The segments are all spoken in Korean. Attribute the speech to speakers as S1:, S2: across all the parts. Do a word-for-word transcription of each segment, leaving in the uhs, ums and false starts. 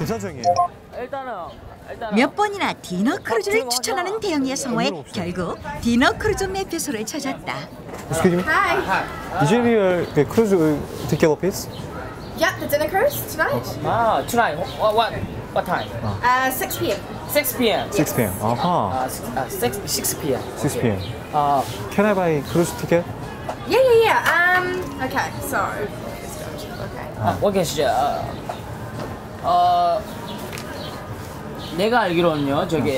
S1: 괜찮죠, 형님?
S2: 일단은 일단은
S3: 몇 번이나 디너 크루즈를 추천하는 대영이의 성화에 결국 디너 크루즈 매표소를 찾았다.
S1: Excuse me?
S4: Hi.
S1: Is it your the cruise ticket office?
S4: Yep, the dinner cruise tonight.
S2: 아, tonight. What what what time?
S4: Uh, six p m
S2: six p m
S1: six p m 아하.
S2: 아, six six p m
S1: six p m
S2: 아,
S1: Can I buy cruise ticket?
S4: Yeah, yeah, yeah. Um, okay, so. Okay.
S2: 아, 오케이, 어, 어, 내가 알기로는요, 저기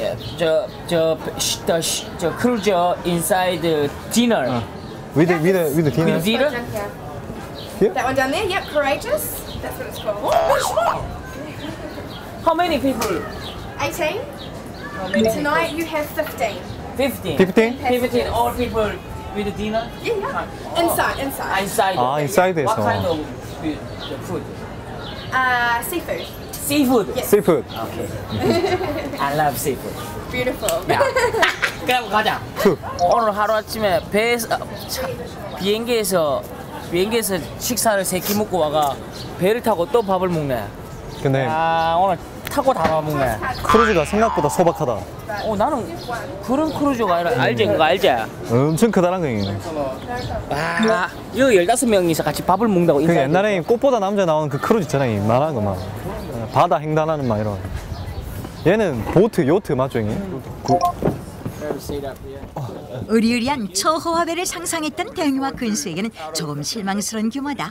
S2: 저저저 크루즈 인사이드 디너.
S1: With the, with the, with the dinner?
S2: with dinner?
S4: Down here.
S1: Here?
S4: That one down there, yep, Courageous. That's what it's called.
S2: How many people?
S4: eighteen.
S2: How many
S4: Tonight you have fifteen.
S2: Fifteen.
S1: fifteen?
S2: Fifteen. All people with dinner.
S4: Yeah, yeah.
S2: Oh.
S4: Inside, inside.
S2: Inside.
S1: 아, 인사이드에서.
S2: What kind of food? The food?
S4: Uh, seafood.
S2: Seafood.
S4: Yes.
S1: Seafood.
S2: Okay. I love seafood.
S4: Beautiful.
S2: 야, 그럼 가자.
S1: 투.
S2: 오늘 하루 아침에 배에서 아, 차, 비행기에서 비행기에서 식사를 세 끼 먹고 와가 배를 타고 또 밥을 먹네.
S1: 근데
S2: 아 오늘 타고 다 먹네.
S1: 크루즈가 생각보다 소박하다.
S2: 어 나는 그런 크루즈가 아니라 알지 그거 알지?
S1: 엄청 크다란 거예요.
S2: 아 이거 열다섯 명이서 같이 밥을 먹는다고
S1: 그
S2: 인사해.
S1: 옛날에 꽃보다 남자 나오는 그 크루즈 있잖아요. 말하는 거 막. 바다 횡단하는 막 이런. 얘는 보트, 요트 맞죠, 형님? 구...
S3: 으리으리한 초호화배를 상상했던 대영이와 근수에게는 조금 실망스러운 규모다.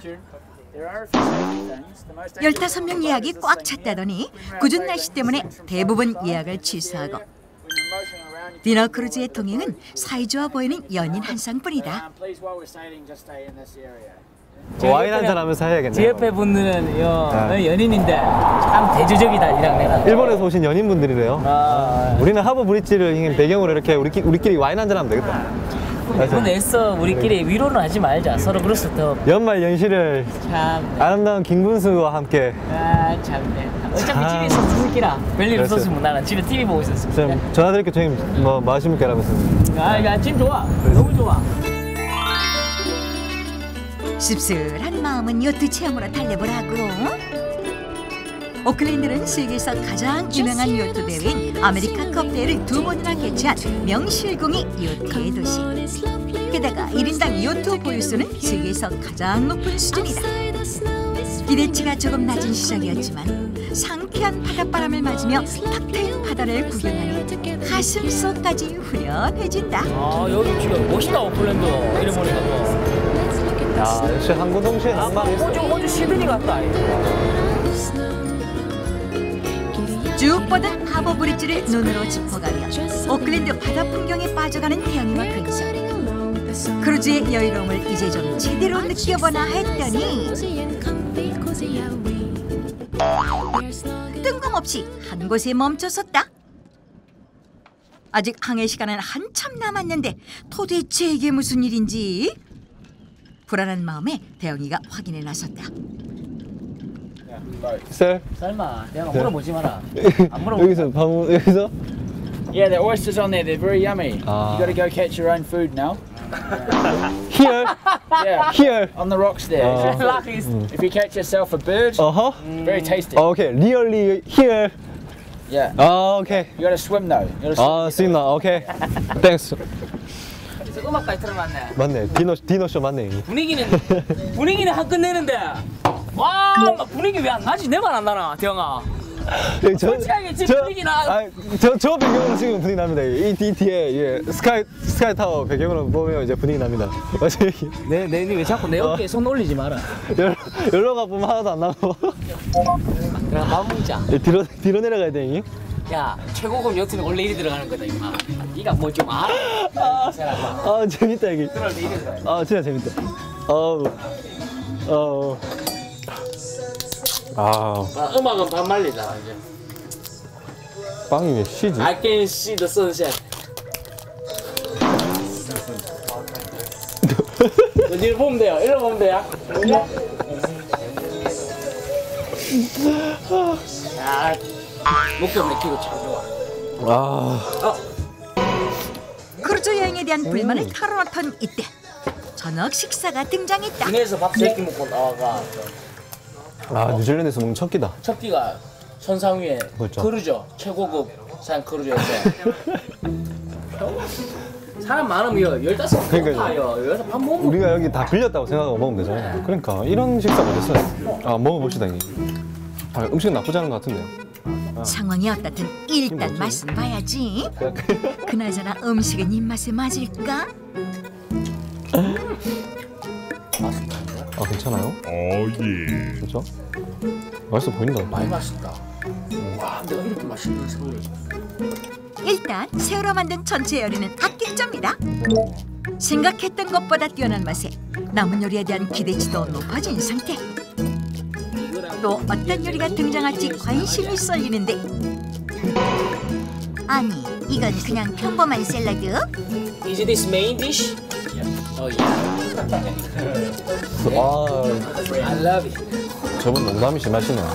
S3: 열다섯 명 예약이 꽉 찼다더니 궂은 날씨 때문에 대부분 예약을 취소하고 디너 크루즈의 동행은 사이좋아 보이는 연인 한 쌍뿐이다.
S1: 와인 한잔 하면서 해야겠네요.
S2: 제 옆에 분들은 요,
S1: 네.
S2: 연인인데 참 대조적이다 이랑 내가.
S1: 일본에서 오신 연인분들이래요.
S2: 아,
S1: 우리는 하버 브릿지를 배경으로 이렇게 우리끼리, 우리끼리 와인 한잔 하면 되겠다.
S2: 이번 애써 우리끼리 위로는 하지 말자. 서로 그래서 더
S1: 연말 연시를
S2: 참.
S1: 아름다운 김군수와 함께
S2: 아 참네. 어차피
S1: 참.
S2: 집에서 죽을기라. 별일
S1: 그렇죠.
S2: 없었으면 나는 집에 티비 보고 있었어.
S1: 좀 전화드릴게요. 저희 뭐 마십니까? 라면서.
S2: 아, 야, 지금 좋아. 너무 좋아.
S3: 씁쓸한 마음은 요트 체험으로 달래보라고. 오클랜드는 세계에서 가장 유명한 요트 대회인 아메리칸 컵 대회를 두 번이나 개최한 명실공히 요트의 도시. 게다가 일 인당 요트 보유수는 세계에서 가장 높은 수준이다. 기대치가 조금 낮은 시작이었지만 상쾌한 바닷바람을 맞으며 탁 트인 바다를 구경하니 가슴속까지 후련해진다.
S2: 아, 여기 지금 멋있다, 오클랜드. 이래 보니까 또.
S1: 야, 역시 한국 동시에
S2: 아,
S1: 낭만이 있어.
S2: 호주, 호주 시드니 같다.
S3: 쭉 뻗은 하버 브릿지를 눈으로 짚어가며 오클랜드 바다 풍경에 빠져가는 태영이와 근수. 크루즈의 여유로움을 이제 좀 제대로 느껴보나 했더니 뜬금없이 한 곳에 멈춰섰다. 아직 항해 시간은 한참 남았는데 도대체 이게 무슨 일인지 불안한 마음에 대영이가 확인에 나섰다.
S1: 셀?
S2: 설마 내가 물어보지 마라. 안 물어보.
S1: 여기서 방 여기서
S5: Yeah, the oysters on there, they're very yummy.
S1: Ah.
S5: You gotta go catch your own food now.
S1: here
S5: Yeah,
S1: here.
S5: on the rocks there.
S1: Oh.
S2: 락이스.
S5: If you catch yourself a bird,
S1: 어허.
S5: very tasty.
S1: 오케이. Really here.
S5: Yeah.
S1: 아, 오케이.
S5: You gotta swim though. You gotta swim.
S1: 아, 쓰임나. 오케이. 땡스.
S2: 음악까지 틀어놨네.
S1: 맞네. 디너 디너 쇼 맞네.
S2: 분위기는 분위기는 한 끝내는데. 와, 분위기 왜 안 나지? 내 말 안 나나, 대영아.
S1: 저,
S2: 솔직하게 지금 분위기 나.
S1: 아, 저, 저 배경으로 지금 분위기 납니다. 이 뒤, 뒤에 예, 스카이 스카이 타워 배경으로 보면 이제 분위기 납니다. 맞지?
S2: 내, 내, 왜 자꾸 내 어깨에 손 올리지 마라.
S1: 여기로 가 보면 하나도 안 나고.
S2: 내가 밥 먹자.
S1: 뒤로 뒤로 내려가야 돼, 이.
S2: 야, 최고급 요트는 원래 이리 들어가는 거다, 임마. 이가 뭐 좀 알아?
S1: 아, 아, 재밌다 이게.
S2: 들어올 때 이리 들어가.
S1: 아, 진짜 재밌다. 어우, 어우. 아,
S2: 아, 음악은 반말리다, 이제.
S1: 빵이 왜 쉬지?
S2: I can see the sunset. 이리 보면 돼요. 이리 보면 돼요. 야, 목표 맥히고 참 좋아.
S1: 아,
S3: 크루즈 여행에 대한 불만을 털어놓던 이때 저녁 식사가 등장했다.
S2: 국내에서 밥 세 끼 먹고 나와가
S1: 아, 뉴질랜드에서 먹는 첫 끼다.
S2: 첫 끼가 선상 위에
S1: 그렇죠.
S2: 크루저 최고급 산 크루저에서 사람 많으면 열다섯 명
S1: 그러니까요.
S2: 타요. 여기서 밥 먹으면
S1: 우리가 여기 다 빌렸다고 생각하고 먹으면 되잖아요. 그러니까 이런 식사 못했어요. 아 먹어봅시다. 이게. 아, 음식은 나쁘지 않은 것 같은데요.
S3: 상황이 어떻든 일단 맛은 봐야지. 그나저나 음식은 입맛에 맞을까?
S1: 아 괜찮아요?
S6: 어예.
S1: 진짜? 맛있어 보인다.
S2: 많이 맛있다. 와, 내가 이렇게 맛있는 새우를.
S3: 일단 새우로 만든 전체 요리는 합격점이다. 생각했던 것보다 뛰어난 맛에 남은 요리에 대한 기대치도 높아진 상태. 또 어떤 요리가 등장할지 관심이 쏠리는데 아니 이건 그냥 평범한 샐러드?
S2: Is this main dish? Oh yeah.
S1: 아
S2: I love it.
S1: 저분 농담이 심하시네요.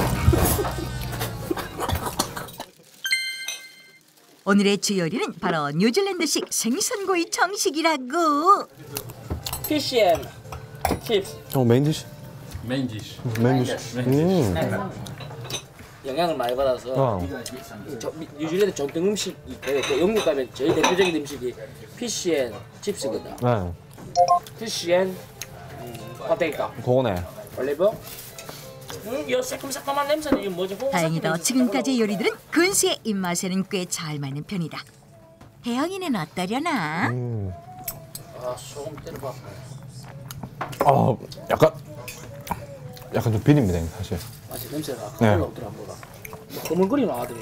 S3: 오늘의 주 요리는 바로 뉴질랜드식 생선구이 정식이라고.
S2: Fish and chips.
S1: 어 메인 디시.
S5: Main dish.
S1: 메인 디시. 음.
S2: 영향을 많이 받아서
S1: 아,
S2: 저, 미- 뉴질랜드 전통 음식이 되고 영국 가면 제일 대표적인 음식이 피쉬 앤 칩스거든.
S1: 네.
S2: 피쉬 앤 음, 파테이토,
S1: 그거네.
S2: 올리브. 음, 이 새콤새콤한 냄새는 이게 뭐지? 홍삼
S3: 다행히도
S2: 냄새.
S3: 지금까지 요리들은 근수의 입맛에는 꽤 잘 맞는 편이다. 혜영이는 어떠려나?
S1: 음.
S2: 아, 소금 때려봐.
S1: 아 약간 약간 좀 비립니다 사실.
S2: 맞지, 냄새가
S1: 네.
S2: 아까 올라오더라 뭐가. 뭐 거물거리는 아들이.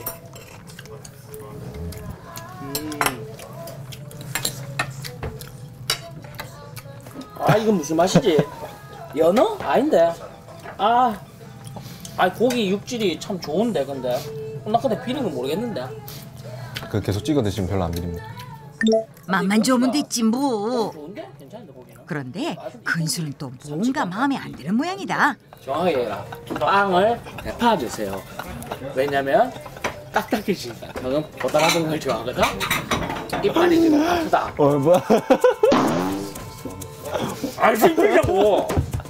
S2: 음. 아, 이건 무슨 맛이지? 연어? 아닌데. 아, 아 고기 육질이 참 좋은데 근데. 나 근데 비린 건 모르겠는데.
S1: 그 계속 찍어 드시면 별로 안 비립니다.
S3: 맛만 좋으면 됐지 뭐.
S2: 좋은데? 괜찮은데 고기는?
S3: 그런데 근수는 또 뭔가 마음에 안 드는 모양이다.
S2: 정확하게 빵을 대파주세요. 왜냐면 딱딱해지니까. 저는 보다라는 걸 좋아하거든. 이빨이 지금 아프다.
S1: 어 뭐야?
S2: 아, 진짜고.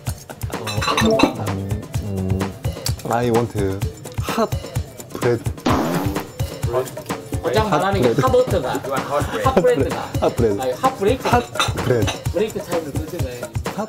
S1: I want hot bread.
S2: 곧장 말하는 게 핫버터가 핫브레드가
S1: 핫 브레드.
S2: 아니 핫브레이크
S1: 핫 브레드.
S2: 브레이크 타임을 뜻은
S1: 핫.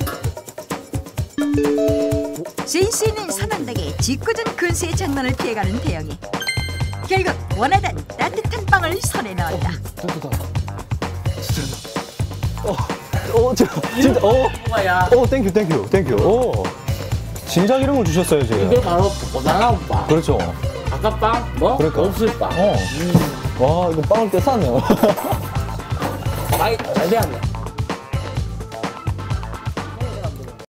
S3: 센스 있는 선언덕에 짓궂은 근수의 장난을 피해가는 태영이. 결국 원하던 따뜻한 빵을 손에 넣었다.
S1: 따뜻하다. 진짜. 어, 어, 저, 진짜, 어,
S2: 뭐야?
S1: 어, 땡큐, 땡큐, 땡큐. 오, 진작 이런 걸 주셨어요,
S2: 이게
S1: 지금.
S2: 바로 보다라는 빵.
S1: 그렇죠.
S2: 아까 빵 뭐?
S1: 그러니까.
S2: 없을 빵.
S1: 어. 와, 이거 빵을 떼쌌네요.
S2: 많이 잘 되었네.